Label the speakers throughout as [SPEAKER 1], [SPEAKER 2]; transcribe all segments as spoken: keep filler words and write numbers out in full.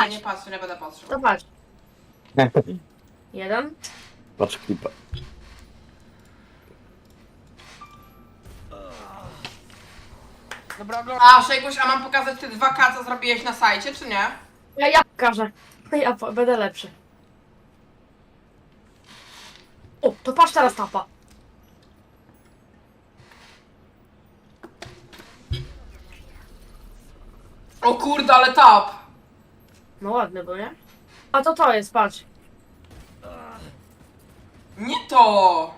[SPEAKER 1] patrz.
[SPEAKER 2] nie patrzę, nie będę patrzył.
[SPEAKER 1] To patrz. Jeden.
[SPEAKER 3] Patrz klipa.
[SPEAKER 2] Dobra, oglądam. A, Szejkuś, a mam pokazać te dwa K, co zrobiłeś na sajcie, czy nie?
[SPEAKER 1] Ja, ja pokażę. Ja po- będę lepszy. O, to patrz teraz tapa.
[SPEAKER 2] O kurde, ale tap!
[SPEAKER 1] No ładny był, nie? A to to jest, patrz.
[SPEAKER 2] Nie to!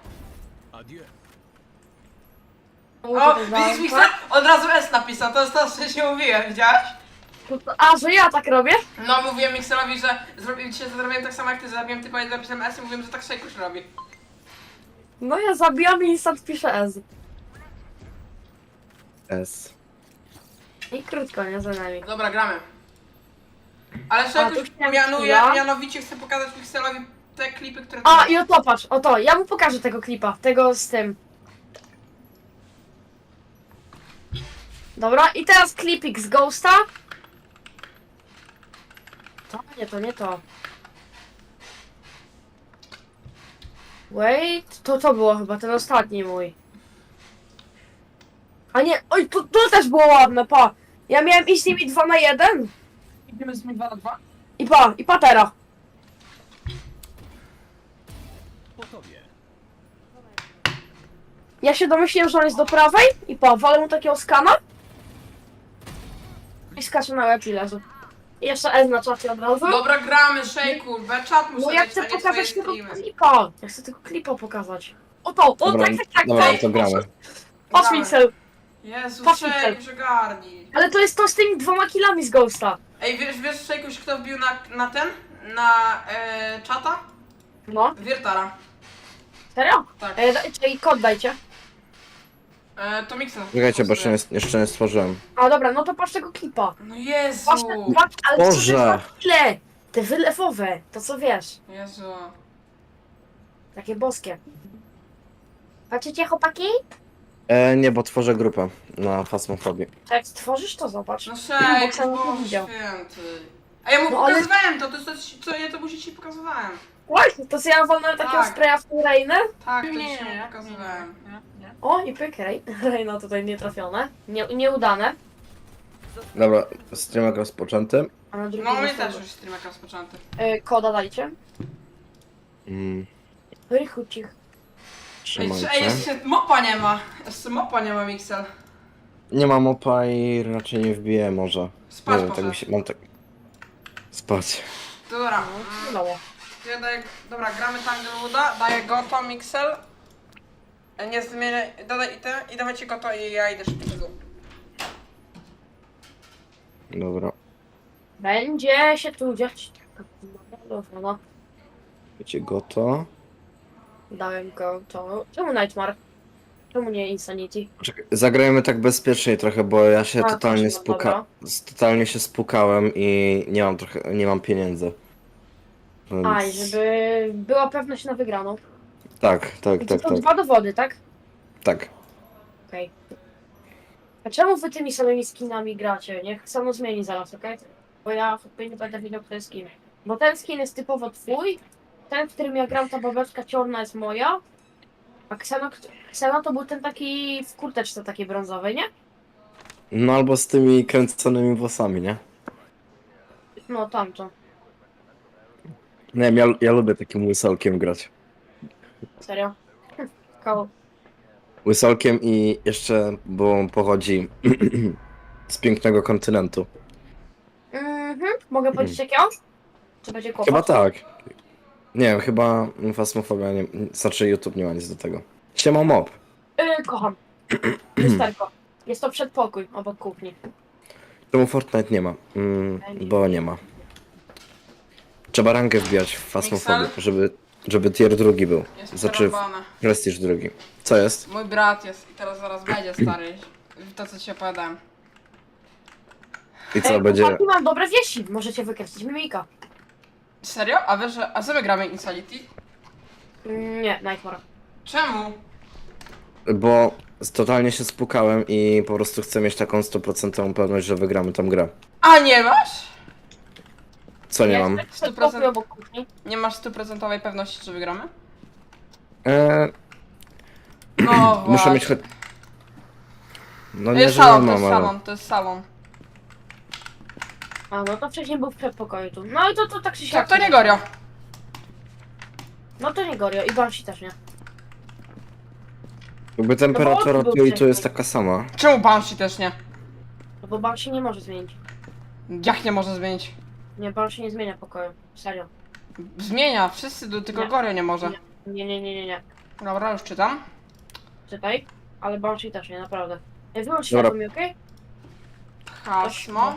[SPEAKER 2] O, widzisz Mixer? Od razu S napisał, to jest to, co się mówiłem, widziałeś?
[SPEAKER 1] A, że ja tak robię?
[SPEAKER 2] No, mówiłem Mixerowi, że zrobiłem dzisiaj zrobiłem tak samo jak ty, zabiłem typa i napisałem S i mówiłem, że tak Szejkuś robi.
[SPEAKER 1] No ja zabijam i instant piszę S.
[SPEAKER 3] S.
[SPEAKER 1] I krótko, nie za nami.
[SPEAKER 2] Dobra, gramy. Ale
[SPEAKER 1] A,
[SPEAKER 2] Szejkuś
[SPEAKER 1] tu chciałem
[SPEAKER 2] mianuje,
[SPEAKER 1] chwila.
[SPEAKER 2] mianowicie chcę pokazać Mixerowi te klipy, które...
[SPEAKER 1] A, i o to patrz, o to. Ja mu pokażę tego klipa, tego z tym. Dobra, i teraz klipik z Ghosta. To nie, to nie to. Wait, to to było chyba ten ostatni mój. A nie, oj, to, to też było ładne, pa. Ja miałem iść z nimi dwa na jeden.
[SPEAKER 2] Idziemy z nimi dwa na dwa?
[SPEAKER 1] I pa, i patera. Ja się domyśliłem, że on jest do prawej i pa, walę mu takiego skana. I skacze na łeb i leży. I jeszcze S na czacie od razu.
[SPEAKER 2] Dobra, gramy, Szejku, be czat muszę
[SPEAKER 1] No ja
[SPEAKER 2] dać,
[SPEAKER 1] chcę
[SPEAKER 2] a nie swoje
[SPEAKER 1] pokazać tego
[SPEAKER 2] streamy.
[SPEAKER 1] klipa. Ja chcę tego klipa pokazać. O to, o
[SPEAKER 3] Dobra,
[SPEAKER 1] tak, tak, tak.
[SPEAKER 3] dobra,
[SPEAKER 1] tak.
[SPEAKER 3] to gramy.
[SPEAKER 1] Patrz
[SPEAKER 2] Gramy.
[SPEAKER 1] Mixel.
[SPEAKER 2] Jezu,
[SPEAKER 1] Patrz,
[SPEAKER 2] Szejkuś, ogarnij.
[SPEAKER 1] Ale to jest to z tymi dwoma killami z Ghosta.
[SPEAKER 2] Ej, wiesz, wiesz Szejkuś, kto wbił na, na ten? Na e, czata?
[SPEAKER 1] No,
[SPEAKER 2] Wiertara.
[SPEAKER 1] serio?
[SPEAKER 2] Tak.
[SPEAKER 1] E, da- czyli kod dajcie.
[SPEAKER 2] E, to Mixer.
[SPEAKER 3] Czekajcie, bo jeszcze nie, jeszcze nie stworzyłem.
[SPEAKER 1] A dobra, no to patrz tego klipa.
[SPEAKER 2] No Jezu.
[SPEAKER 1] Patrz te dwa, ale co te
[SPEAKER 3] Boże.
[SPEAKER 1] dwa kille? Te wylewowe, to co wiesz.
[SPEAKER 2] Jezu.
[SPEAKER 1] Takie boskie. Patrzycie chłopaki?
[SPEAKER 3] E, nie, bo tworzę grupę na Fasmofobii.
[SPEAKER 1] Jak stworzysz to zobacz.
[SPEAKER 2] No
[SPEAKER 1] Bo
[SPEAKER 2] Szejkuś,
[SPEAKER 1] sam nie
[SPEAKER 2] Boże
[SPEAKER 1] widział.
[SPEAKER 2] święty. A ja mu
[SPEAKER 1] No ale-
[SPEAKER 2] pokazywałem to, to jest to, co ja to musi ci pokazywałem.
[SPEAKER 1] Właśnie, to co ja walnąłem takiego
[SPEAKER 2] Tak.
[SPEAKER 1] spraya w tą Reinę?
[SPEAKER 2] Tak, to ci się pokazywałem.
[SPEAKER 1] O, i pyk, Rej. Reina tutaj nietrafione. Nie, nieudane.
[SPEAKER 3] Dobra, streamek rozpoczęty.
[SPEAKER 1] A na drugim
[SPEAKER 2] No mnie
[SPEAKER 1] miejscu-
[SPEAKER 2] też już streamek rozpoczęty.
[SPEAKER 1] E, koda dajcie.
[SPEAKER 3] Mm,
[SPEAKER 1] Rychucich.
[SPEAKER 2] Ej,
[SPEAKER 3] trzymajcie.
[SPEAKER 2] ej, jeszcze mopa nie ma. Jeszcze mopa nie ma, Mixel.
[SPEAKER 3] Nie mam opa i raczej nie wbiję może.
[SPEAKER 2] Spać
[SPEAKER 3] Nie wiem, tak
[SPEAKER 2] poszedł.
[SPEAKER 3] mi się, mam tak... Spać.
[SPEAKER 2] Dobra.
[SPEAKER 1] No,
[SPEAKER 2] mm,
[SPEAKER 1] udało.
[SPEAKER 2] Ja daję, dobra, gramy Tanglewooda, daję Goto, Mixel. E, Nie zmienię, dodaj i te, i dawajcie Goto i ja idę szybko.
[SPEAKER 3] Dobra.
[SPEAKER 1] Będzie się tu dziać. Dobra, no.
[SPEAKER 3] Wiecie, goto.
[SPEAKER 1] Dałem go to. Czemu Nightmare? Czemu nie Insanity?
[SPEAKER 3] Czekaj, zagrajmy tak bezpiecznie trochę, bo ja się
[SPEAKER 1] A,
[SPEAKER 3] totalnie
[SPEAKER 1] proszę,
[SPEAKER 3] spuka... s- Totalnie się spukałem i nie mam trochę... nie mam pieniędzy. Więc...
[SPEAKER 1] Aj, żeby była pewność na wygraną.
[SPEAKER 3] Tak, tak,
[SPEAKER 1] I to
[SPEAKER 3] tak,
[SPEAKER 1] to
[SPEAKER 3] tak,
[SPEAKER 1] dwa dowody, tak?
[SPEAKER 3] tak.
[SPEAKER 1] Okej. A czemu wy tymi samymi skinami gracie? Niech samo zmieni zaraz, okej? Bo ja chyba nie będę wiedział, kto jest skin. Bo ten skin jest typowo twój, ten, w którym ja gram, ta babeczka czarna jest moja, a Xeno, Xeno to był ten taki w kurteczce takiej brązowej, nie?
[SPEAKER 3] No albo z tymi kręconymi włosami, nie?
[SPEAKER 1] No tamto.
[SPEAKER 3] Nie wiem, ja, ja lubię takim łysolkiem grać.
[SPEAKER 1] Serio. Koło.
[SPEAKER 3] Łysolkiem i jeszcze, bo on pochodzi z pięknego kontynentu.
[SPEAKER 1] Mhm. Mogę powiedzieć jakiego? Czy będzie kłopot?
[SPEAKER 3] Chyba tak. Nie wiem, chyba Fasmofobia nie... Znaczy YouTube nie ma nic do tego. Siema mob.
[SPEAKER 1] Yy, kocham. Lusterko. Jest to przedpokój obok kuchni.
[SPEAKER 3] Czemu Fortnite nie ma? Mm, bo nie ma. Trzeba rankę wbijać w Fasmofobię,
[SPEAKER 2] Mixel?
[SPEAKER 3] żeby, żeby tier drugi był.
[SPEAKER 2] Jest
[SPEAKER 3] Znaczy
[SPEAKER 2] przerąbane.
[SPEAKER 3] prestiż drugi. Co jest?
[SPEAKER 2] Mój brat jest i teraz zaraz będzie stary. To co ci opowiadałem.
[SPEAKER 3] I co
[SPEAKER 1] Ej,
[SPEAKER 3] będzie?
[SPEAKER 1] chłopaki, mam dobre wieści. Możecie wykreślić mimika.
[SPEAKER 2] Serio? A wiesz, że... A co my gramy Insanity?
[SPEAKER 1] Mm, nie, Nightmare.
[SPEAKER 2] Czemu?
[SPEAKER 3] Bo totalnie się spukałem i po prostu chcę mieć taką stuprocentową pewność, że wygramy tą grę.
[SPEAKER 2] A nie masz?
[SPEAKER 3] Co nie
[SPEAKER 1] Jest
[SPEAKER 3] mam?
[SPEAKER 1] tak
[SPEAKER 2] sto
[SPEAKER 1] przed
[SPEAKER 2] procent.
[SPEAKER 1] pokój obok kuchni.
[SPEAKER 2] Nie masz stuprocentowej pewności, że wygramy?
[SPEAKER 3] Eee,
[SPEAKER 2] No
[SPEAKER 3] muszę mieć
[SPEAKER 2] właśnie.
[SPEAKER 3] choć... No
[SPEAKER 2] To
[SPEAKER 3] nie,
[SPEAKER 2] jest
[SPEAKER 3] że nie
[SPEAKER 2] salon, to jest
[SPEAKER 3] mam, ale...
[SPEAKER 2] salon, to jest salon.
[SPEAKER 1] A no to wcześniej był w przedpokoju tu. No i to, to tak się
[SPEAKER 2] Tak, to nie Gorio.
[SPEAKER 1] No to nie Gorio i Banshee też nie.
[SPEAKER 3] Jakby temperatura
[SPEAKER 1] No bo on
[SPEAKER 3] tu
[SPEAKER 1] był
[SPEAKER 3] i tu jest
[SPEAKER 1] wcześniej.
[SPEAKER 3] taka sama.
[SPEAKER 2] Czemu Banshee też nie?
[SPEAKER 1] No bo Banshee nie może zmienić.
[SPEAKER 2] Jak nie może zmienić?
[SPEAKER 1] Nie, Banshee nie zmienia pokoju. Serio.
[SPEAKER 2] Zmienia, wszyscy, do- tylko
[SPEAKER 1] Nie.
[SPEAKER 2] Gorio nie może.
[SPEAKER 1] Nie, nie, nie, nie, nie.
[SPEAKER 2] Dobra, już czytam.
[SPEAKER 1] Czytaj. Ale Banshee też nie, naprawdę. Ej, wyłącz
[SPEAKER 3] Dobra.
[SPEAKER 1] światło mi, okej?
[SPEAKER 2] Hasmo.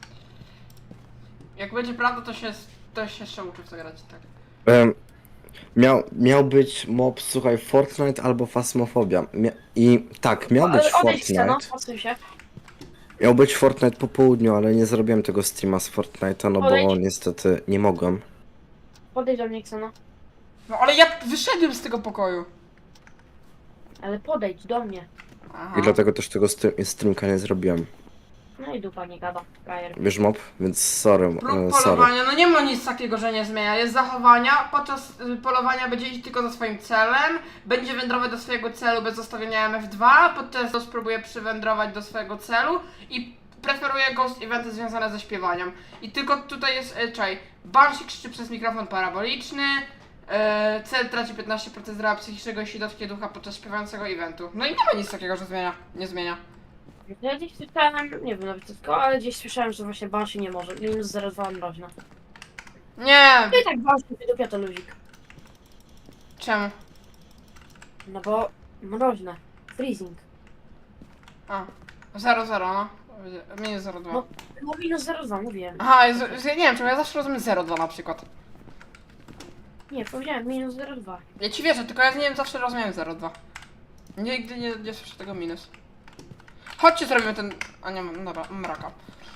[SPEAKER 2] Jak będzie prawda, to się, to się jeszcze uczy w to grać, tak.
[SPEAKER 3] Em, miał, miał być mob, słuchaj, Fortnite albo Phasmophobia. Mia I tak, miał być
[SPEAKER 1] Ale odejdź se, no,
[SPEAKER 3] Fortnite.
[SPEAKER 1] odsuń się.
[SPEAKER 3] Miał być Fortnite po południu, ale nie zrobiłem tego streama z Fortnite'a, no bo
[SPEAKER 1] Odejdź.
[SPEAKER 3] niestety nie mogłem.
[SPEAKER 1] Podejdź do mnie, Kseno.
[SPEAKER 2] No ale ja wyszedłem z tego pokoju.
[SPEAKER 1] Ale podejdź do mnie.
[SPEAKER 2] Aha.
[SPEAKER 3] I dlatego też tego stre- streamka nie zrobiłem.
[SPEAKER 1] No i dupa nie gada. Gajer.
[SPEAKER 3] Wiesz mob? Więc sorry,
[SPEAKER 2] Próg
[SPEAKER 3] e, sorry.
[SPEAKER 2] polowania, no nie ma nic takiego, że nie zmienia. Jest zachowania, podczas y, polowania będzie iść tylko za swoim celem, będzie wędrować do swojego celu bez zostawienia M F dwa, podczas to spróbuje przywędrować do swojego celu i preferuje ghost eventy związane ze śpiewaniem. I tylko tutaj jest, y, czaj, Banshee krzyczy przez mikrofon paraboliczny, y, cel traci piętnaście procent zdrowia psychicznego, jeśli dotknie ducha podczas śpiewającego eventu. No i nie ma nic takiego, że zmienia, nie zmienia.
[SPEAKER 1] Ja gdzieś słyszałem, nie wiem nawet tylko, ale gdzieś słyszałem, że właśnie Banshee nie może. Minus zero przecinek dwa mroźna.
[SPEAKER 2] Nie!
[SPEAKER 1] No i tak Banshee wydupia to luzik.
[SPEAKER 2] Czemu?
[SPEAKER 1] No bo mroźne. Freezing.
[SPEAKER 2] A, zero zero, no. Minus zero dwa.
[SPEAKER 1] No. No minus zero przecinek dwa mówiłem.
[SPEAKER 2] Aha, jest, jest, ja nie wiem, czemu ja zawsze rozumiem zero dwa na przykład.
[SPEAKER 1] Nie, powiedziałem minus zero przecinek dwa.
[SPEAKER 2] Ja ci wierzę, tylko ja nie wiem, zawsze rozumiem zero dwa. Nigdy nie, nie słyszę tego minus. Chodźcie, zrobimy ten... A nie, mam- dobra, mraka.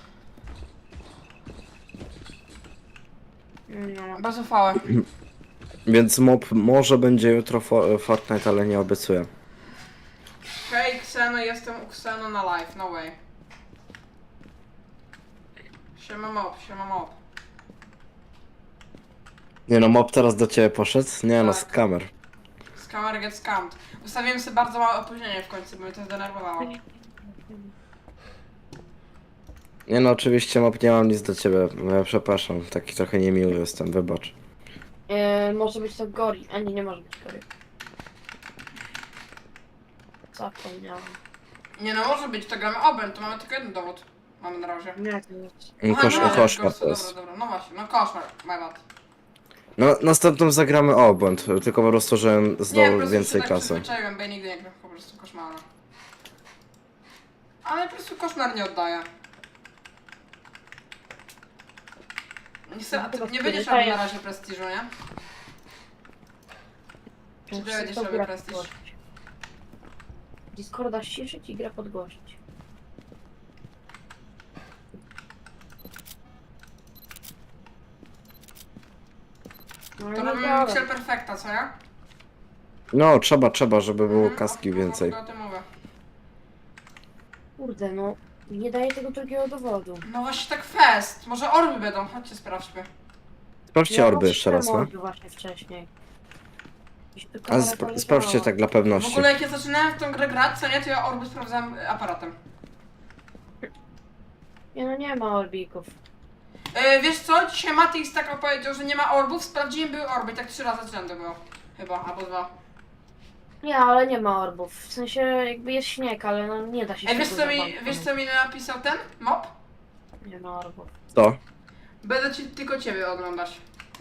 [SPEAKER 1] No.
[SPEAKER 2] Bez uchwały.
[SPEAKER 3] Więc mob może będzie jutro fo Fortnite, ale nie obiecuję.
[SPEAKER 2] Hej, Kseno, jestem u Kseno na live, no way. Siema mob, siema mob.
[SPEAKER 3] Nie no, mob teraz do ciebie poszedł? Nie no, z
[SPEAKER 2] Tak.
[SPEAKER 3] kamer.
[SPEAKER 2] Scammer get scammed. Ustawiłem sobie bardzo małe opóźnienie w końcu, bo mnie to zdenerwowało.
[SPEAKER 3] Nie no, oczywiście mob, nie mam nic do ciebie. Ja przepraszam, taki trochę niemiły jestem, wybacz.
[SPEAKER 1] E, może być to Gori. A nie, nie może być Gori. Zapomniałem.
[SPEAKER 2] Nie no, może być, to gramy oben, to mamy tylko jeden dowód. Mamy na razie.
[SPEAKER 1] Nie, to jest.
[SPEAKER 3] No, Kosz,
[SPEAKER 2] no,
[SPEAKER 3] koszmar
[SPEAKER 2] dobra,
[SPEAKER 3] to jest.
[SPEAKER 2] Dobra, dobra, no właśnie, no koszmar, my bad.
[SPEAKER 3] No, następną zagramy obłęd, tylko po prostu, żebym
[SPEAKER 2] Nie, po
[SPEAKER 3] zdobył
[SPEAKER 2] prostu
[SPEAKER 3] więcej
[SPEAKER 2] się tak
[SPEAKER 3] kasy.
[SPEAKER 2] przyzwyczaiłem, bo ja nigdy nie gram po prostu koszmara. Ale po prostu koszmar nie oddaje. Nie, chcę,
[SPEAKER 1] No, chyba
[SPEAKER 2] nie będziesz
[SPEAKER 1] przyzwyczaję.
[SPEAKER 2] robił na razie prestiżu, nie? Czy ty
[SPEAKER 1] Muszę
[SPEAKER 2] będziesz
[SPEAKER 1] to
[SPEAKER 2] robił
[SPEAKER 1] grę
[SPEAKER 2] prestiż?
[SPEAKER 1] podgłosić. Discorda ściszyć i grę podgłosić. No,
[SPEAKER 2] To
[SPEAKER 1] nie
[SPEAKER 2] robimy
[SPEAKER 1] działa.
[SPEAKER 2] Mixel Perfecta, co nie?
[SPEAKER 3] No, trzeba, trzeba, żeby było
[SPEAKER 2] Mhm,
[SPEAKER 3] kaski
[SPEAKER 2] o-
[SPEAKER 3] więcej.
[SPEAKER 2] O, o tym mówię.
[SPEAKER 1] Kurde, no. Nie daje tego drugiego dowodu.
[SPEAKER 2] No właśnie tak fest. Może orby będą, chodźcie sprawdźmy.
[SPEAKER 3] Sprawdźcie orby jeszcze raz, no.
[SPEAKER 1] no. Właśnie wcześniej. Gdzieś tu
[SPEAKER 3] A
[SPEAKER 1] kamera
[SPEAKER 3] sp
[SPEAKER 1] poleciała.
[SPEAKER 3] sprawdźcie tak dla
[SPEAKER 2] W
[SPEAKER 3] pewności.
[SPEAKER 2] ogóle jak ja zaczynałem w tą grę grać, co nie, to ja orby sprawdzałem y, aparatem.
[SPEAKER 1] Nie no, nie ma orbików.
[SPEAKER 2] Yy, wiesz co, dzisiaj Matix tak opowiedział, że nie ma orbów, sprawdziłem, były orby, tak trzy razy z rzędu było. Chyba, albo dwa.
[SPEAKER 1] Nie, ale nie ma orbów. W sensie jakby jest śnieg, ale no nie da się
[SPEAKER 2] Ej, wiesz
[SPEAKER 1] śniegu
[SPEAKER 2] co mi,
[SPEAKER 1] zobaczyć.
[SPEAKER 2] wiesz co mi napisał ten mob?
[SPEAKER 1] Nie ma orbów.
[SPEAKER 3] To.
[SPEAKER 2] Będę ci, tylko ciebie oglądać.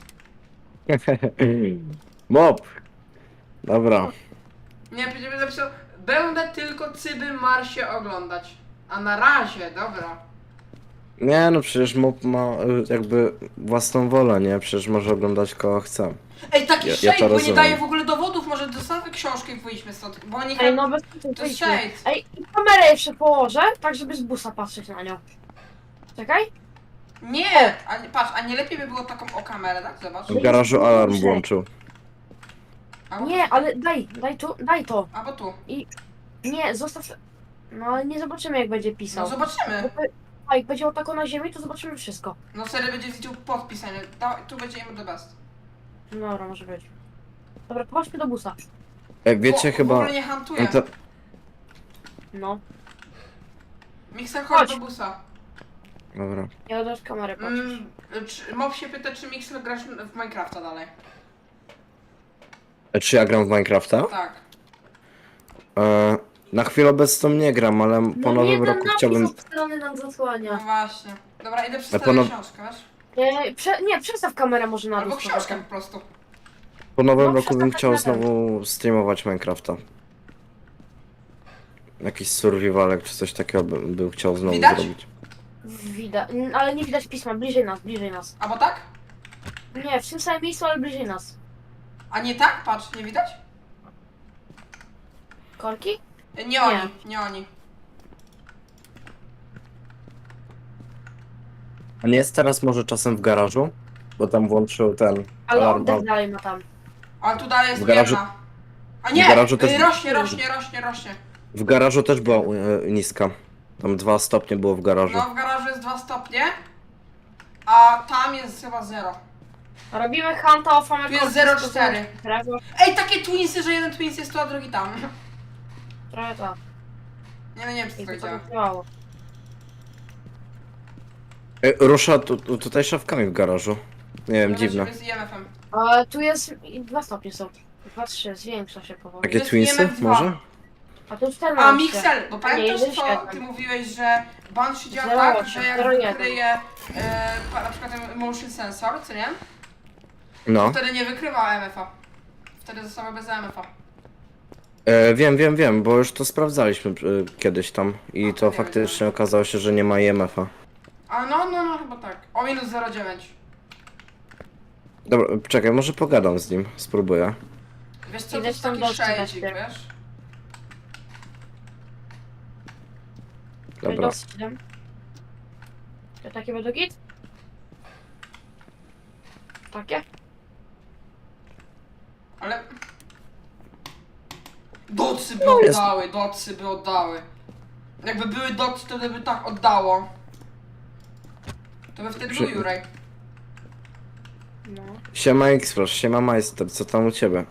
[SPEAKER 3] Mob! Dobra.
[SPEAKER 2] Nie, będziemy napisał, będę tylko Cyby Marsie oglądać. A na razie, dobra.
[SPEAKER 3] Nie no, przecież mob ma y, jakby własną wolę, nie? Przecież może oglądać kogo chce.
[SPEAKER 2] Ej, taki
[SPEAKER 3] Ja- ja
[SPEAKER 2] shade,
[SPEAKER 3] to
[SPEAKER 2] bo nie
[SPEAKER 3] rozumiem.
[SPEAKER 2] daje w ogóle dowodów, może dostawmy książkę i wyjdźmy stąd, bo oni...
[SPEAKER 1] Ej, no bez
[SPEAKER 2] To jest
[SPEAKER 1] wyjdźmy.
[SPEAKER 2] shade.
[SPEAKER 1] Ej, i kamerę jeszcze położę, tak żeby z busa patrzeć na nią. Czekaj.
[SPEAKER 2] Nie! A, nie- patrz, a nie lepiej by było taką o kamerę, tak? Zobacz.
[SPEAKER 3] W garażu alarm włączył.
[SPEAKER 2] Albo,
[SPEAKER 1] Nie, ale daj, daj tu, daj to.
[SPEAKER 2] albo tu.
[SPEAKER 1] Nie, zostaw... No ale nie zobaczymy jak będzie
[SPEAKER 2] No
[SPEAKER 1] pisał.
[SPEAKER 2] zobaczymy.
[SPEAKER 1] Bo to- A jak będzie tako na ziemi, to zobaczymy wszystko.
[SPEAKER 2] No serio będzie widział podpisanie. Da, tu będzie im the best.
[SPEAKER 1] No dobra, może być. Dobra, chodźmy do busa.
[SPEAKER 3] Jak wiecie,
[SPEAKER 2] Bo,
[SPEAKER 3] chyba...
[SPEAKER 2] W ogóle nie hantuje.
[SPEAKER 3] No to...
[SPEAKER 1] No.
[SPEAKER 2] Mikser chodź
[SPEAKER 1] Chodź.
[SPEAKER 2] do busa.
[SPEAKER 3] Dobra.
[SPEAKER 1] Ja też kamerę patrzę.
[SPEAKER 2] Mm, czy, Mob się pyta, czy Mixer grasz w Minecrafta dalej.
[SPEAKER 3] E, Czy ja gram w Minecrafta?
[SPEAKER 2] Tak.
[SPEAKER 3] E, na chwilę obecną nie gram, ale po
[SPEAKER 1] No
[SPEAKER 3] nowym
[SPEAKER 1] jeden
[SPEAKER 3] roku
[SPEAKER 1] napis
[SPEAKER 3] chciałbym...
[SPEAKER 1] obstrony nam
[SPEAKER 2] No
[SPEAKER 1] zasłania.
[SPEAKER 2] właśnie. Dobra, idę
[SPEAKER 3] Na
[SPEAKER 2] przeczytać
[SPEAKER 3] pewno-
[SPEAKER 2] książkę, wiesz?
[SPEAKER 1] Nie, prze, nie, przestaw kamerę może na
[SPEAKER 2] Albo
[SPEAKER 1] dół.
[SPEAKER 2] książkę po prostu.
[SPEAKER 3] Po nowym
[SPEAKER 1] No,
[SPEAKER 3] roku bym
[SPEAKER 1] przestań
[SPEAKER 3] chciał
[SPEAKER 1] na ten.
[SPEAKER 3] znowu streamować Minecrafta. Jakiś survivalek czy coś takiego bym, bym chciał znowu
[SPEAKER 2] Widać?
[SPEAKER 3] zrobić.
[SPEAKER 1] Widać, ale nie widać pisma, bliżej nas, bliżej nas.
[SPEAKER 2] Albo tak?
[SPEAKER 1] Nie, w tym samym miejscu, ale bliżej nas.
[SPEAKER 2] A nie tak? Patrz, nie widać?
[SPEAKER 1] Korki?
[SPEAKER 2] Nie oni, nie oni.
[SPEAKER 3] A nie jest teraz może czasem w garażu? Bo tam włączył ten
[SPEAKER 1] Ale
[SPEAKER 3] alarm.
[SPEAKER 1] oddech dalej ma tam.
[SPEAKER 2] Ale tu dalej jest
[SPEAKER 3] W garażu-
[SPEAKER 2] jedna. A nie!
[SPEAKER 3] w garażu też-
[SPEAKER 2] y, rośnie, rośnie, rośnie, rośnie.
[SPEAKER 3] W garażu też była e, niska. Tam dwa stopnie było w garażu.
[SPEAKER 2] No w garażu jest dwa stopnie. A tam jest chyba zero.
[SPEAKER 1] Robimy hunta o famę
[SPEAKER 2] Tu jest
[SPEAKER 1] korki,
[SPEAKER 2] zero
[SPEAKER 1] to
[SPEAKER 2] cztery.
[SPEAKER 1] Drewno,
[SPEAKER 2] Ej, takie twinsy, że jeden twins jest tu, a drugi tam.
[SPEAKER 1] trochę to.
[SPEAKER 2] Nie, no nie wiem, czy
[SPEAKER 1] I
[SPEAKER 2] to
[SPEAKER 1] to
[SPEAKER 2] działa.
[SPEAKER 1] tak działało.
[SPEAKER 3] E, rusza tu, tu, tutaj szafkami w garażu. Nie wiem, dziwne.
[SPEAKER 2] Z I M F-em.
[SPEAKER 1] Ale tu jest, i dwa stopnie są. Dwa, trzy, zwiększa się powoli.
[SPEAKER 3] Takie
[SPEAKER 2] jest
[SPEAKER 3] twinsy
[SPEAKER 2] I M F dwa.
[SPEAKER 3] może?
[SPEAKER 1] A tu czternaście.
[SPEAKER 2] A Mixel, bo
[SPEAKER 1] A nie,
[SPEAKER 2] pamiętasz
[SPEAKER 1] jeden
[SPEAKER 2] co
[SPEAKER 1] siedem.
[SPEAKER 2] ty mówiłeś, że Banshee działa
[SPEAKER 1] zero
[SPEAKER 2] tak,
[SPEAKER 1] osiem,
[SPEAKER 2] że jak
[SPEAKER 1] zero jeden.
[SPEAKER 2] wykryje e, pa- na przykład ten motion sensor, co nie?
[SPEAKER 3] No.
[SPEAKER 2] Wtedy nie wykrywa E M F-a. Wtedy została bez E M F-a.
[SPEAKER 3] E, wiem, wiem, wiem, bo już to sprawdzaliśmy e, kiedyś tam. I
[SPEAKER 2] A,
[SPEAKER 3] to
[SPEAKER 2] nie
[SPEAKER 3] faktycznie okazało się, że nie ma I M F-a.
[SPEAKER 2] A no, no, no, chyba tak. O minus zero przecinek dziewięć.
[SPEAKER 3] Dobra, czekaj, może pogadam z nim, spróbuję.
[SPEAKER 2] Wiesz co, to
[SPEAKER 1] Idę
[SPEAKER 2] jest
[SPEAKER 1] tam
[SPEAKER 2] taki
[SPEAKER 1] dostać
[SPEAKER 2] shadzik,
[SPEAKER 1] najpierw.
[SPEAKER 2] wiesz?
[SPEAKER 3] Dobra.
[SPEAKER 1] siedem. To takie będą git? Takie?
[SPEAKER 2] Ale... Docy by
[SPEAKER 3] No jest-
[SPEAKER 2] oddały, docy by oddały. Jakby były docy, to by tak oddało. To by wtedy
[SPEAKER 3] Przy-
[SPEAKER 2] był Jurej.
[SPEAKER 1] No.
[SPEAKER 3] Siema X-Flash, siema Majster, co tam u ciebie?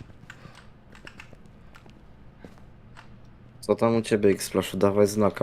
[SPEAKER 3] Co tam u ciebie X-Flashu, dawaj znaka.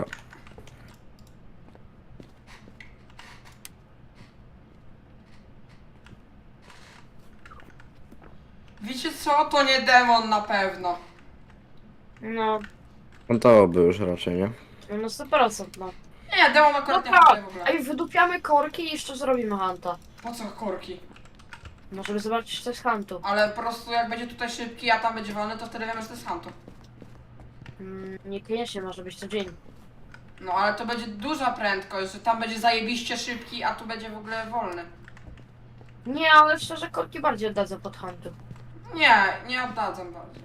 [SPEAKER 2] Wiecie co? To nie demon na pewno.
[SPEAKER 1] No,
[SPEAKER 3] No to by już raczej, nie?
[SPEAKER 1] no sto procent no.
[SPEAKER 2] Nie, demon
[SPEAKER 1] No
[SPEAKER 2] akurat nie
[SPEAKER 1] tak,
[SPEAKER 2] pasuje w ogóle.
[SPEAKER 1] ej, wydupiamy korki i jeszcze zrobimy hunta.
[SPEAKER 2] Po co korki?
[SPEAKER 1] No, żeby zobaczyć, co jest huntu.
[SPEAKER 2] Ale po prostu jak będzie tutaj szybki, a tam będzie wolny, to wtedy wiemy, że to jest Huntu.
[SPEAKER 1] Mm, niekoniecznie może być to dzień.
[SPEAKER 2] No ale to będzie duża prędkość, że tam będzie zajebiście szybki, a tu będzie w ogóle wolny.
[SPEAKER 1] Nie, ale szczerze, korki bardziej oddadzą pod huntu.
[SPEAKER 2] Nie, nie oddadzą bardziej.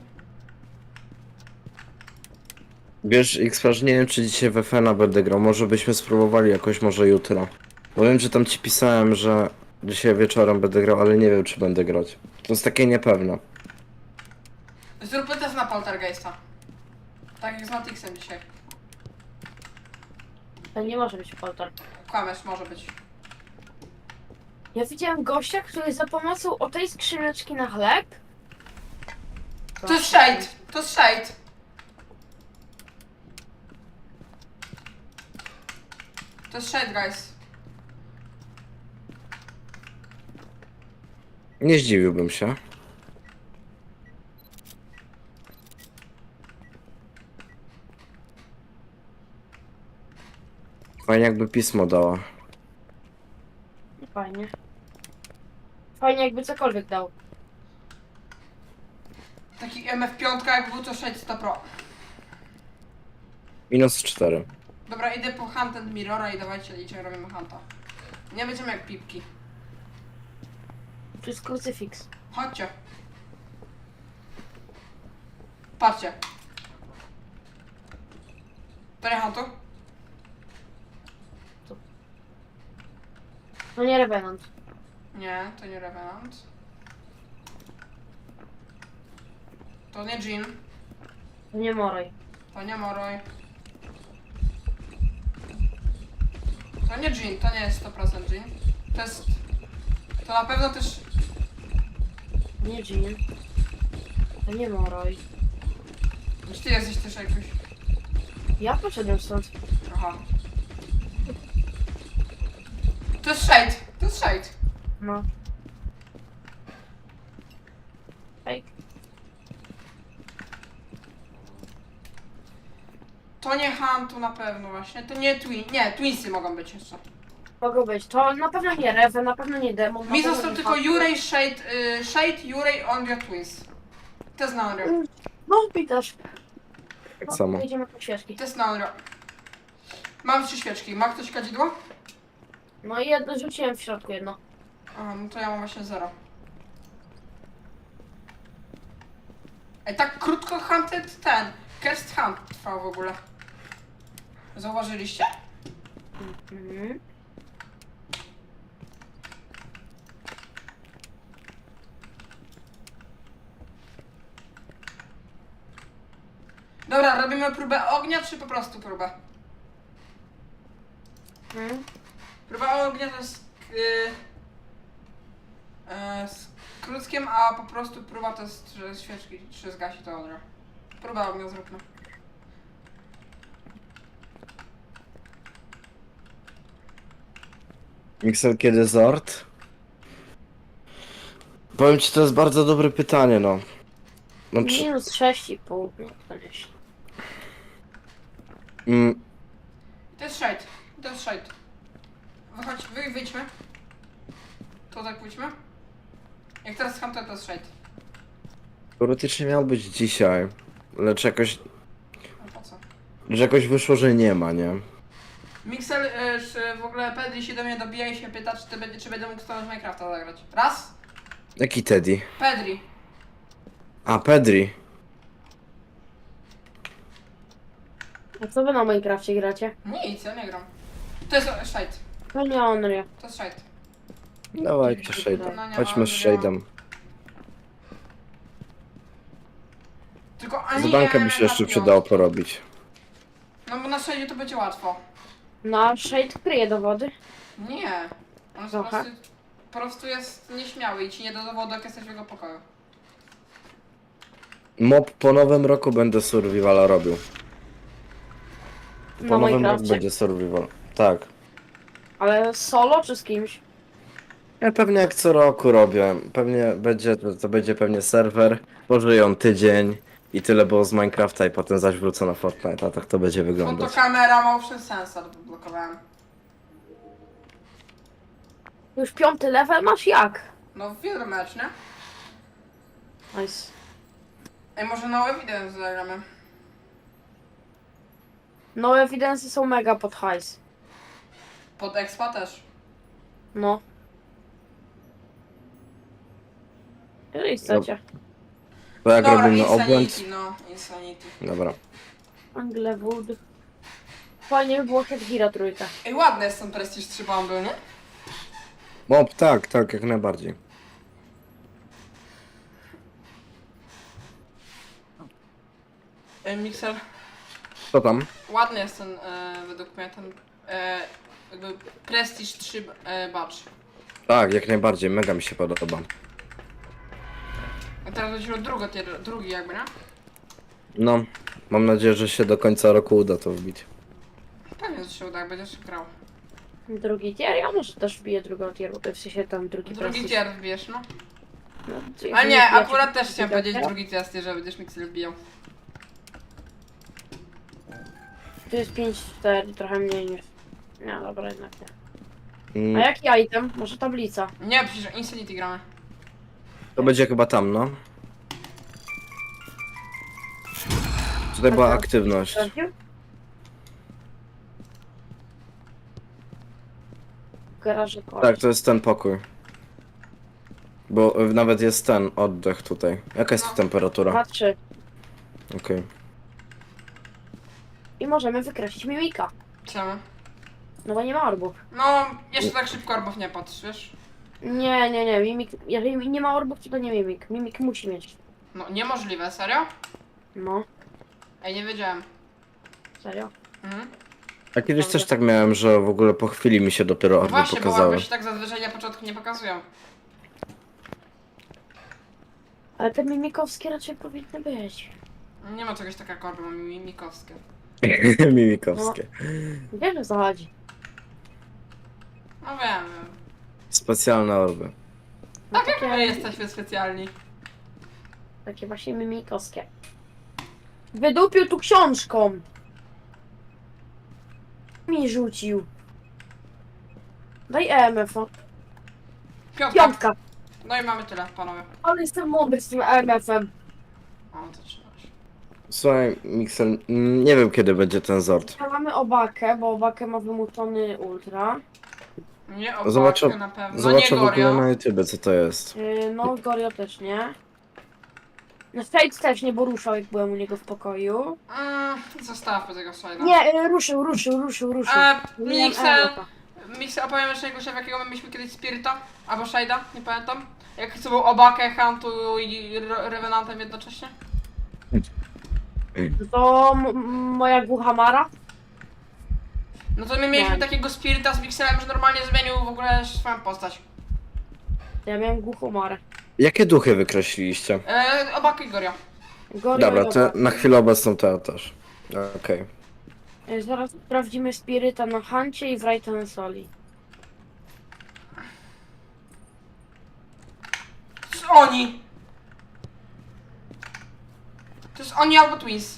[SPEAKER 3] Wiesz X-Flash, nie wiem czy dzisiaj w F N A będę grał, może byśmy spróbowali jakoś, może jutro. Bo wiem, że tam ci pisałem, że dzisiaj wieczorem będę grał, ale nie wiem czy będę grać. To jest takie niepewne.
[SPEAKER 2] Zróbmy test na Poltergeista. Tak jak z Matixem dzisiaj.
[SPEAKER 1] To nie może być poltar.
[SPEAKER 2] Kłamiesz, może być.
[SPEAKER 1] Ja widziałem gościa, który za pomocą o tej skrzyneczki na chleb...
[SPEAKER 2] To jest Shade! To jest Shade! To jest Shade, guys.
[SPEAKER 3] Nie zdziwiłbym się. Fajnie jakby pismo dała.
[SPEAKER 1] Fajnie. Fajnie jakby cokolwiek dał.
[SPEAKER 2] Taki M F pięć jak był to Shade sto pro.
[SPEAKER 3] Minus cztery.
[SPEAKER 2] Dobra, idę po Hunt and Mirrora i dawajcie liczę, robimy Hunta. Nie będziemy jak pipki.
[SPEAKER 1] To jest krucyfiks.
[SPEAKER 2] Chodźcie. Patrzcie. To nie Huntu?
[SPEAKER 1] No nie Revenant.
[SPEAKER 2] Nie, to nie Revenant. To nie Jean.
[SPEAKER 1] To nie Moroj.
[SPEAKER 2] To nie Moroj. To nie Jean, to nie jest sto procent Jean. To jest... To na pewno też...
[SPEAKER 1] Nie Jean. To nie Moroj.
[SPEAKER 2] Czy ty jesteś też jakoś...
[SPEAKER 1] Ja poszedłem stąd.
[SPEAKER 2] Aha. To jest Shade, to jest Shade.
[SPEAKER 1] No. Ej,
[SPEAKER 2] To nie Huntu na pewno właśnie, to nie Twin... Nie, Twinsy mogą być jeszcze.
[SPEAKER 1] mogą być. To na pewno nie Rewe, na pewno nie Demon. na
[SPEAKER 2] Mi
[SPEAKER 1] pewno
[SPEAKER 2] został
[SPEAKER 1] nie
[SPEAKER 2] tylko
[SPEAKER 1] Hunter.
[SPEAKER 2] Yurej, Shade, y, Shade, Yurej, Onryo, Twins. To jest na Onryo.
[SPEAKER 1] No, pitasz.
[SPEAKER 3] Tak
[SPEAKER 1] No,
[SPEAKER 3] samo.
[SPEAKER 1] jedziemy po świeczki.
[SPEAKER 2] To jest na Onryo. Mam trzy świeczki. Ma ktoś kadzidło?
[SPEAKER 1] No i jedno rzuciłem w środku jedno.
[SPEAKER 2] A, no to ja mam właśnie zero. Ej, tak krótko Hunted ten. Cursed Hunt trwał w ogóle. Zauważyliście?
[SPEAKER 1] Mhm.
[SPEAKER 2] Dobra, robimy próbę ognia, czy po prostu próbę?
[SPEAKER 1] Mhm.
[SPEAKER 2] Próba ognia to jest yy, yy, z krótkiem, a po prostu próba to jest, że świeczki, czy zgasi to ognia. Próba ognia zróbmy.
[SPEAKER 3] Mixel, kiedy Zord? Powiem ci, to jest bardzo dobre pytanie, no. no czy,
[SPEAKER 1] Minus sześć i pół. No to nieźle.
[SPEAKER 3] mm,
[SPEAKER 2] To jest Shade, to jest Shade. Wychodź, wy, wyjdźmy. Tutaj pójdźmy. Jak teraz Hunter to jest Shade.
[SPEAKER 3] teoretycznie miał być dzisiaj, lecz jakoś,
[SPEAKER 2] No po co?
[SPEAKER 3] lecz jakoś wyszło, że nie ma, nie?
[SPEAKER 2] Mixel, y, czy w ogóle Pedri się do mnie dobija i się pyta, czy, ty, będzie- czy będę mógł z tobą w Minecrafta zagrać. Raz.
[SPEAKER 3] Jaki Teddy?
[SPEAKER 2] Pedri.
[SPEAKER 3] A, Pedri.
[SPEAKER 1] A co wy na Minecrafcie gracie?
[SPEAKER 2] Nic, ja nie gram. To jest Shade.
[SPEAKER 1] To nie Onryo.
[SPEAKER 2] To jest Shade.
[SPEAKER 3] Dawajcie
[SPEAKER 2] No
[SPEAKER 3] Shade'em.
[SPEAKER 2] nie
[SPEAKER 3] Chodźmy
[SPEAKER 2] ma,
[SPEAKER 3] z
[SPEAKER 2] nie ma.
[SPEAKER 3] Shade'em.
[SPEAKER 2] Tylko ani
[SPEAKER 3] Z banka
[SPEAKER 2] nie
[SPEAKER 3] by się
[SPEAKER 2] na
[SPEAKER 3] jeszcze
[SPEAKER 2] piątkę.
[SPEAKER 3] przydało porobić.
[SPEAKER 2] No bo na Shade'ie to będzie łatwo.
[SPEAKER 1] No, a Shade kryje dowody.
[SPEAKER 2] Nie. On jest po
[SPEAKER 1] Trochę.
[SPEAKER 2] prostu, po prostu jest nieśmiały i ci nie da dowodu, jak jesteś w jego pokoju.
[SPEAKER 3] Mob po nowym roku będę survivala robił. Po
[SPEAKER 1] Na
[SPEAKER 3] nowym roku
[SPEAKER 1] Minecrafcie.
[SPEAKER 3] będzie survival. Tak.
[SPEAKER 1] Ale solo czy z kimś?
[SPEAKER 3] Ja pewnie jak co roku robię. Pewnie będzie, to, to będzie pewnie serwer. Pożyją tydzień i tyle było z Minecrafta i potem zaś wrócę na Fortnite, a tak to będzie wyglądać.
[SPEAKER 2] Fotokamera, motion sensor blokowałem.
[SPEAKER 1] Już piąty level masz jak?
[SPEAKER 2] No wiele mecz, nie?
[SPEAKER 1] Nice.
[SPEAKER 2] Ej, może no evidence zagramy.
[SPEAKER 1] No ewidencje są mega pod hajs.
[SPEAKER 2] Pod expa też.
[SPEAKER 1] No. Jeżeli chcecie.
[SPEAKER 3] Bo jak
[SPEAKER 2] Dobra,
[SPEAKER 3] robimy
[SPEAKER 2] Insanity,
[SPEAKER 3] obłęd...
[SPEAKER 2] no, Insanity.
[SPEAKER 3] Dobra.
[SPEAKER 1] Anglewood. Fajnie by było Headgira trójka.
[SPEAKER 2] Ej, ładny jest ten Prestige trzy bomby, nie?
[SPEAKER 3] Mob, tak, tak, jak najbardziej.
[SPEAKER 2] Ej, Mixer,
[SPEAKER 3] Co tam?
[SPEAKER 2] ładny jest ten, e, według mnie, ten, e, jakby Prestige trzy e, badge.
[SPEAKER 3] Tak, jak najbardziej, mega mi się podoba.
[SPEAKER 2] A teraz będzie drugi, drugi jakby, nie?
[SPEAKER 3] No, mam nadzieję, że się do końca roku uda to wbić.
[SPEAKER 2] Pewnie, że się uda, jak będziesz grał.
[SPEAKER 1] Drugi tier, ja może też wbiję drugą tier, bo w sensie tam drugi
[SPEAKER 2] Drugi
[SPEAKER 1] prestige.
[SPEAKER 2] tier wbierz, no.
[SPEAKER 1] No,
[SPEAKER 2] A
[SPEAKER 1] jeżeli
[SPEAKER 2] nie,
[SPEAKER 1] wbijacie
[SPEAKER 2] akurat też
[SPEAKER 1] drugi
[SPEAKER 2] chciałem
[SPEAKER 1] tier,
[SPEAKER 2] powiedzieć drugi test, że będziesz Mixer wbijał.
[SPEAKER 1] Tu jest pięć cztery, trochę mniej niż... Nie, dobra, jednak nie. A
[SPEAKER 3] Mm,
[SPEAKER 1] jaki item? Może tablica?
[SPEAKER 2] Nie, przecież Insanity gramy.
[SPEAKER 3] to będzie chyba tam, no. Tutaj była
[SPEAKER 1] Aha.
[SPEAKER 3] aktywność.
[SPEAKER 1] Sprawdził? W garażu koło.
[SPEAKER 3] Tak, to jest ten pokój. Bo y, nawet jest ten oddech tutaj. Jaka jest tu
[SPEAKER 2] No.
[SPEAKER 3] temperatura?
[SPEAKER 1] dwa trzy.
[SPEAKER 3] Okej.
[SPEAKER 1] I możemy wykreślić mimika.
[SPEAKER 2] Czemu?
[SPEAKER 1] No bo nie ma orbów.
[SPEAKER 2] No, jeszcze tak szybko orbów nie patrz, wiesz?
[SPEAKER 1] Nie, nie, nie, mimik... Jeżeli nie ma orbów, to to nie mimik. Mimik musi mieć.
[SPEAKER 2] No, niemożliwe, serio?
[SPEAKER 1] No,
[SPEAKER 2] Ej, nie wiedziałem.
[SPEAKER 1] serio.
[SPEAKER 2] Mhm.
[SPEAKER 3] A kiedyś też tak miałem, że w ogóle po chwili mi się dopiero
[SPEAKER 2] No
[SPEAKER 3] orby
[SPEAKER 2] właśnie, bo
[SPEAKER 3] pokazały.
[SPEAKER 2] orby się tak zazwyczaj na początku nie pokazują.
[SPEAKER 1] Ale te mimikowskie raczej powinny być.
[SPEAKER 2] Nie ma czegoś takiego jak orby, mamy mimikowskie.
[SPEAKER 3] Mimikowskie.
[SPEAKER 1] Wiesz, o co chodzi.
[SPEAKER 2] No wiem, wiem.
[SPEAKER 3] Specjalne orby.
[SPEAKER 1] No
[SPEAKER 2] Tak jak
[SPEAKER 1] takie-
[SPEAKER 2] my jesteśmy specjalni.
[SPEAKER 1] Takie właśnie mimikowskie. Wydupił tu książką. Mi rzucił. Daj E M F-a.
[SPEAKER 2] Piątka.
[SPEAKER 1] Piątka.
[SPEAKER 2] No i mamy tyle, panowie.
[SPEAKER 1] Ale jestem mądry z tym E M F-em.
[SPEAKER 2] O, to trzymasz.
[SPEAKER 3] Słuchaj, Mixel, mm, nie wiem kiedy będzie ten zord.
[SPEAKER 1] Ja mamy obakę, bo obakę ma wymuszony ultra.
[SPEAKER 2] Nie obakę
[SPEAKER 3] Zobaczę,
[SPEAKER 2] na pewno.
[SPEAKER 3] zobaczę
[SPEAKER 2] no
[SPEAKER 3] w
[SPEAKER 2] nie
[SPEAKER 3] ogóle
[SPEAKER 2] Gorio.
[SPEAKER 3] na YouTube co to jest.
[SPEAKER 1] Yy, no, Gorio też nie. No, Shade też nie, bo ruszał, jak byłem u niego w pokoju.
[SPEAKER 2] Mm, zostawmy tego slajda.
[SPEAKER 1] Nie, yy, ruszył, ruszył, ruszył, ruszył.
[SPEAKER 2] E,
[SPEAKER 1] Nie
[SPEAKER 2] Mixel,
[SPEAKER 1] miałem E M F-a.
[SPEAKER 2] Mixel, opowiem jeszcze jego w jakiego my mieliśmy kiedyś Spirita? Albo Shade'a, nie pamiętam. Jak co był Obakę, Huntu i Re- Revenantem jednocześnie?
[SPEAKER 1] To m- moja głucha Mara.
[SPEAKER 2] No to my mieliśmy
[SPEAKER 1] Nie.
[SPEAKER 2] takiego Spirita z Mixelem, że normalnie zmienił w ogóle swoją postać.
[SPEAKER 1] Ja miałem głuchą Marę.
[SPEAKER 3] Jakie duchy wykreśliliście?
[SPEAKER 2] E, Obakę i Gorio.
[SPEAKER 1] Gorio
[SPEAKER 3] Dobra,
[SPEAKER 1] i
[SPEAKER 3] to
[SPEAKER 1] Obaka.
[SPEAKER 3] na chwilę obecną to ja też. Okej.
[SPEAKER 1] Yy, Zaraz sprawdzimy Spiryta na Huncie i Wrighta na Soli.
[SPEAKER 2] To jest oni! To jest oni albo Twins.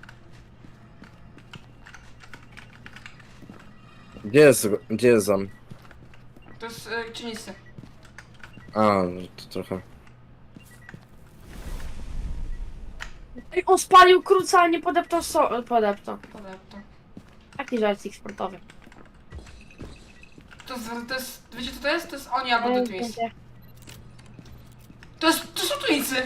[SPEAKER 3] Gdzie jest, gdzie jest Zam?
[SPEAKER 2] To jest e, czynisty.
[SPEAKER 3] A, no to trochę.
[SPEAKER 1] Ej, on spalił kruca, a nie podeptał so... podeptał.
[SPEAKER 2] Podepto.
[SPEAKER 1] Taki żarcik sportowy.
[SPEAKER 2] To jest, to jest, wiecie co to jest? To jest oni albo The
[SPEAKER 1] Ej,
[SPEAKER 2] Twins.
[SPEAKER 1] będzie.
[SPEAKER 2] To jest, to są Twinsy!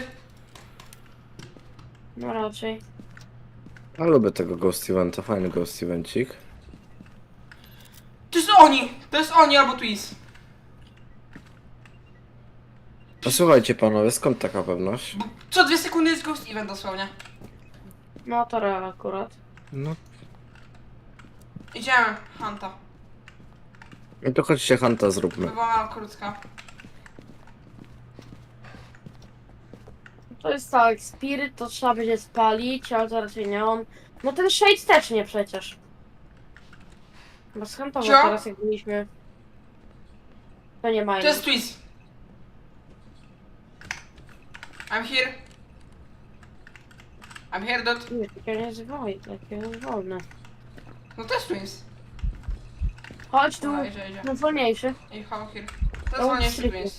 [SPEAKER 1] No raczej.
[SPEAKER 3] Ja lubię tego Ghost Eventa, fajny Ghost Evencik.
[SPEAKER 2] To jest oni! To jest oni albo Twins.
[SPEAKER 3] A słuchajcie panowie, skąd taka pewność?
[SPEAKER 2] Bo co dwie sekundy jest Ghost Event dosłownie.
[SPEAKER 1] No to real akurat.
[SPEAKER 3] No,
[SPEAKER 2] Idziemy, Hanta.
[SPEAKER 3] no to chodźcie Hanta zróbmy.
[SPEAKER 2] Wywołałam krótka.
[SPEAKER 1] To jest tak, Spirit to trzeba będzie spalić, ale to raczej nie on. No ten Shade też nie przecież. Bo skąd
[SPEAKER 2] Cio?
[SPEAKER 1] teraz jak byliśmy... To nie mają.
[SPEAKER 2] To jest Twins. I'm here. I'm here, dot.
[SPEAKER 1] Nie, takie nie jest wolne, takie jest wolne.
[SPEAKER 2] No to jest Twins.
[SPEAKER 1] Chodź tu,
[SPEAKER 2] Dobra, idzie, idzie.
[SPEAKER 1] no wolniejszy.
[SPEAKER 2] I how here. To jest
[SPEAKER 1] To
[SPEAKER 2] wolniejszy
[SPEAKER 1] stryku.
[SPEAKER 2] Twins.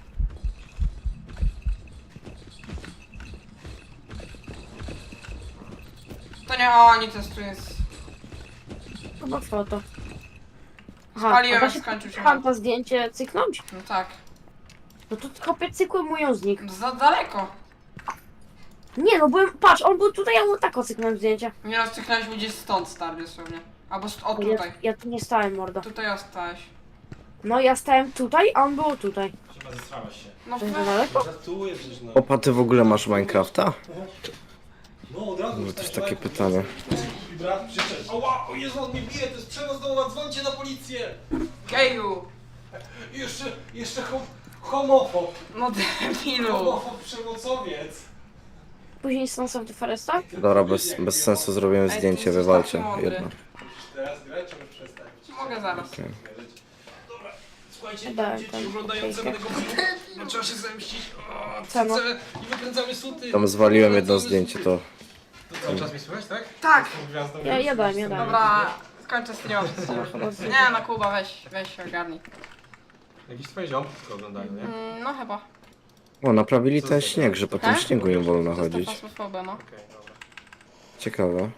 [SPEAKER 2] To nie oni, to jest Twins.
[SPEAKER 1] Chyba foto.
[SPEAKER 2] Spaliłem,
[SPEAKER 1] a da
[SPEAKER 2] jak
[SPEAKER 1] się
[SPEAKER 2] skończył się
[SPEAKER 1] Hanta zdjęcie cyknąć?
[SPEAKER 2] No tak.
[SPEAKER 1] No to kopie cykły mój z nich.
[SPEAKER 2] Za daleko.
[SPEAKER 1] Nie no, byłem, patrz, on był tutaj, ja mu tak cyknąłem zdjęcie.
[SPEAKER 2] Nieraz cyknąłeś gdzieś stąd, stary, dosłownie. Albo st- o
[SPEAKER 1] Ja,
[SPEAKER 2] tutaj.
[SPEAKER 1] ja tu nie stałem, mordo.
[SPEAKER 2] Tutaj ostałeś.
[SPEAKER 1] No ja stałem tutaj, a on był tutaj.
[SPEAKER 4] Chyba zesrałeś się.
[SPEAKER 2] No
[SPEAKER 1] To jest za
[SPEAKER 2] weź.
[SPEAKER 1] daleko?
[SPEAKER 4] Żartuję przecież no.
[SPEAKER 3] Opa, ty w ogóle masz Minecrafta?
[SPEAKER 4] No od razu
[SPEAKER 3] No to jest
[SPEAKER 4] wstałeś,
[SPEAKER 3] takie
[SPEAKER 4] łeb,
[SPEAKER 3] pytanie.
[SPEAKER 4] I brat przyszedł. Oła, o Jezu, on mnie bije, to jest przemoc domowa, dzwońcie na policję!
[SPEAKER 2] Geju!
[SPEAKER 4] I jeszcze, jeszcze hom homofob.
[SPEAKER 2] No debilu!
[SPEAKER 4] Homofob, przemocowiec.
[SPEAKER 1] Później Sons of the Foresta?
[SPEAKER 3] Dobra, bez, bez sensu zrobiłem
[SPEAKER 2] Ej,
[SPEAKER 3] zdjęcie,
[SPEAKER 2] ty jesteś
[SPEAKER 3] wywalcie
[SPEAKER 2] taki mądry.
[SPEAKER 3] jedno.
[SPEAKER 4] Musisz teraz grać, czy już przestać?
[SPEAKER 2] Mogę zaraz.
[SPEAKER 3] Okej.
[SPEAKER 4] Dobra, słuchajcie,
[SPEAKER 1] Dałem
[SPEAKER 4] dzieci
[SPEAKER 1] tam
[SPEAKER 4] oglądające
[SPEAKER 1] fajkę.
[SPEAKER 4] tego filmu, no trzeba się zemścić. O,
[SPEAKER 1] Co no?
[SPEAKER 4] chcemy- I wykręcamy suty.
[SPEAKER 3] Tam zwaliłem jedno
[SPEAKER 4] Wykręcamy
[SPEAKER 3] zdjęcie,
[SPEAKER 4] suty.
[SPEAKER 3] to...
[SPEAKER 4] To cały czas mi słychać, tak?
[SPEAKER 2] Tak!
[SPEAKER 4] Tą gwiazdą
[SPEAKER 1] Ja-
[SPEAKER 4] już-
[SPEAKER 1] ja dałem,
[SPEAKER 4] już
[SPEAKER 1] ja
[SPEAKER 4] sobie
[SPEAKER 1] dałem.
[SPEAKER 2] Dobra, skończę streama przez chwilę. Nie no Kuba, weź, weź się ogarnij.
[SPEAKER 4] Jakieś twoje ziomki tylko oglądają, nie?
[SPEAKER 2] Mm, no chyba.
[SPEAKER 3] O, naprawili ten śnieg, że po tym
[SPEAKER 2] Tak?
[SPEAKER 3] śniegu nie wolno
[SPEAKER 2] To jest ta
[SPEAKER 3] chodzić.
[SPEAKER 2] fasmofobia, no.
[SPEAKER 4] Okej, dobra.
[SPEAKER 3] Ciekawe.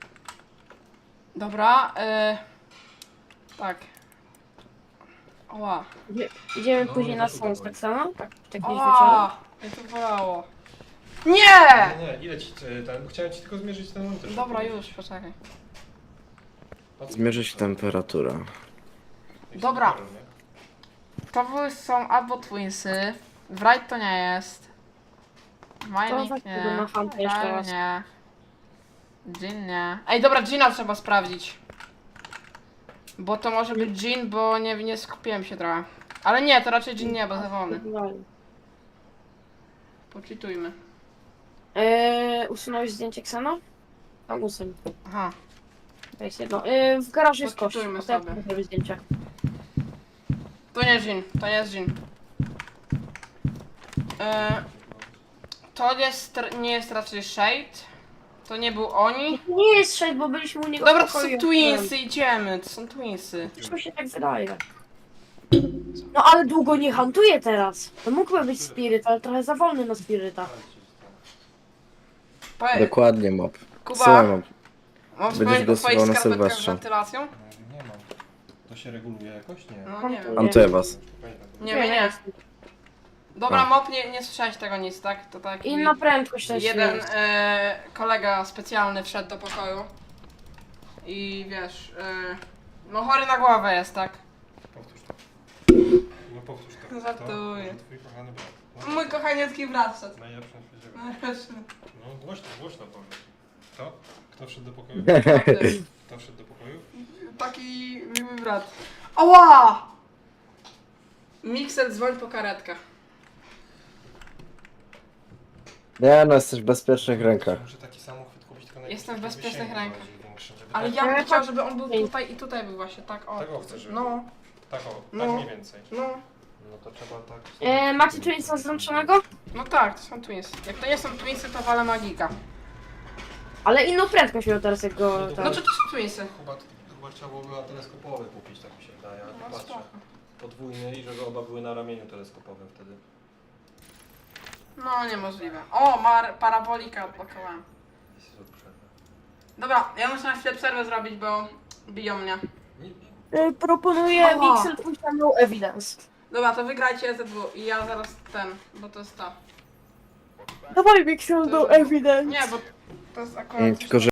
[SPEAKER 2] Dobra, y... Tak. Oła.
[SPEAKER 1] Idzie, idziemy
[SPEAKER 4] No,
[SPEAKER 1] później
[SPEAKER 4] no
[SPEAKER 1] na
[SPEAKER 4] to
[SPEAKER 1] Sons,
[SPEAKER 4] dawaj.
[SPEAKER 1] tak samo? Tak, tak gdzieś wieczorem.
[SPEAKER 2] Oła! Mnie to bolało. Nie!
[SPEAKER 4] Nie, nie, ile ci e, ten, chciałem ci tylko zmierzyć ten monitor.
[SPEAKER 2] Dobra, już, poczekaj.
[SPEAKER 3] Zmierzyć temperaturę.
[SPEAKER 2] Dobra. To były są albo Twinsy. Wright to nie jest.
[SPEAKER 1] To
[SPEAKER 2] Mining
[SPEAKER 1] weź
[SPEAKER 2] nie.
[SPEAKER 1] tego na Hunt'a jeszcze
[SPEAKER 2] Kyle
[SPEAKER 1] raz.
[SPEAKER 2] nie. Jean nie. Ej, dobra, Gina trzeba sprawdzić. Bo to może być Jin, bo nie, nie skupiłem się trochę. Ale nie, to raczej Jin nie, bo za wolny. Poczytujmy.
[SPEAKER 1] Eee, usunąłeś zdjęcie Ksena? Tam usuń.
[SPEAKER 2] Aha.
[SPEAKER 1] To jest jedno. Eee, w garażu jest kosz.
[SPEAKER 2] Poczytujmy
[SPEAKER 1] A to jak
[SPEAKER 2] sobie.
[SPEAKER 1] zrobić zdjęcie?
[SPEAKER 2] To nie Jin, to nie jest Jin. E, to jest, nie jest raczej Shade. To nie był oni.
[SPEAKER 1] Nie jest szedł, bo byliśmy u niego
[SPEAKER 2] Dobra,
[SPEAKER 1] w
[SPEAKER 2] to są
[SPEAKER 1] pokoju.
[SPEAKER 2] twinsy, idziemy, to są twinsy.
[SPEAKER 1] Coś mi się tak wydaje. No ale długo nie hantuje teraz. To mógłby być spiryt, ale trochę za wolny na spiryta.
[SPEAKER 2] Powie-
[SPEAKER 3] Dokładnie, mob.
[SPEAKER 2] Kuba,
[SPEAKER 3] Co mob?
[SPEAKER 2] mam
[SPEAKER 3] będziesz
[SPEAKER 2] wspomnieć o twoich
[SPEAKER 3] głosował na
[SPEAKER 2] skarpetkach z
[SPEAKER 3] Sylwestrze.
[SPEAKER 2] wentylacją?
[SPEAKER 4] No, nie mam. To się reguluje jakoś? Nie.
[SPEAKER 2] No nie wiem.
[SPEAKER 3] Antuję was.
[SPEAKER 2] Nie wiem, nie. Dobra, Mop, nie, nie słyszałeś tego nic, tak? To tak.
[SPEAKER 1] Inna prędkość też
[SPEAKER 2] Jeden
[SPEAKER 1] jest.
[SPEAKER 2] e, kolega specjalny wszedł do pokoju. I wiesz, e, no chory na głowę jest, tak?
[SPEAKER 4] Powtórz to. No powtórz to.
[SPEAKER 2] Żartuję.
[SPEAKER 4] To, że twój kochany brat. No,
[SPEAKER 2] Mój kochaniecki brat wszedł.
[SPEAKER 4] najlepszy na świecie.
[SPEAKER 2] Najlepszy.
[SPEAKER 4] No głośno, głośno powiedz. Kto? Kto wszedł do pokoju? Kto wszedł do pokoju?
[SPEAKER 2] Taki miły brat. Ała! Mixer, dzwoń po karetkę.
[SPEAKER 3] Nie no, jesteś w bezpiecznych rękach.
[SPEAKER 4] Muszę taki samochód kupić, tylko
[SPEAKER 2] Jestem w
[SPEAKER 4] najpierw
[SPEAKER 2] bezpiecznych
[SPEAKER 4] wysięgu
[SPEAKER 2] rękach.
[SPEAKER 4] bardziej większy, żeby
[SPEAKER 2] Ale
[SPEAKER 4] tak,
[SPEAKER 2] ja bym
[SPEAKER 1] Ale
[SPEAKER 2] chciał,
[SPEAKER 1] chodź-
[SPEAKER 2] żeby on był tutaj i tutaj był właśnie, tak o.
[SPEAKER 4] Tego chcę, żeby-
[SPEAKER 2] No,
[SPEAKER 4] tak o,
[SPEAKER 2] No.
[SPEAKER 4] tak mniej więcej.
[SPEAKER 2] no.
[SPEAKER 4] No to trzeba tak...
[SPEAKER 1] E, macie tu nic złączonego?
[SPEAKER 2] No tak, to są twins. Jak to nie są twinsy, to walę magika.
[SPEAKER 1] Ale inną prędkość miał teraz jak go...
[SPEAKER 4] No
[SPEAKER 1] tam-
[SPEAKER 2] No to to są twinsy.
[SPEAKER 4] Chyba, chyba trzeba było chyba teleskopowy kupić, tak mi się wydaje, ale
[SPEAKER 2] No
[SPEAKER 4] patrzę.
[SPEAKER 2] spoko.
[SPEAKER 4] Podwójny i żeby oba były na ramieniu teleskopowym wtedy.
[SPEAKER 2] No niemożliwe. O, mar parabolika odblokowałem.
[SPEAKER 4] Jeśli to przerwę.
[SPEAKER 2] Dobra, ja muszę na chwilę przerwę zrobić, bo biją mnie.
[SPEAKER 4] Nie,
[SPEAKER 1] E, proponuję
[SPEAKER 2] Ała.
[SPEAKER 1] Mixel pójść na no evidence.
[SPEAKER 2] Dobra, to wygrajcie Z W i ja zaraz ten, bo to jest ta.
[SPEAKER 1] Dawaj Mixel no evidence.
[SPEAKER 2] Nie, bo to jest akurat...
[SPEAKER 3] Mm, Tylko, że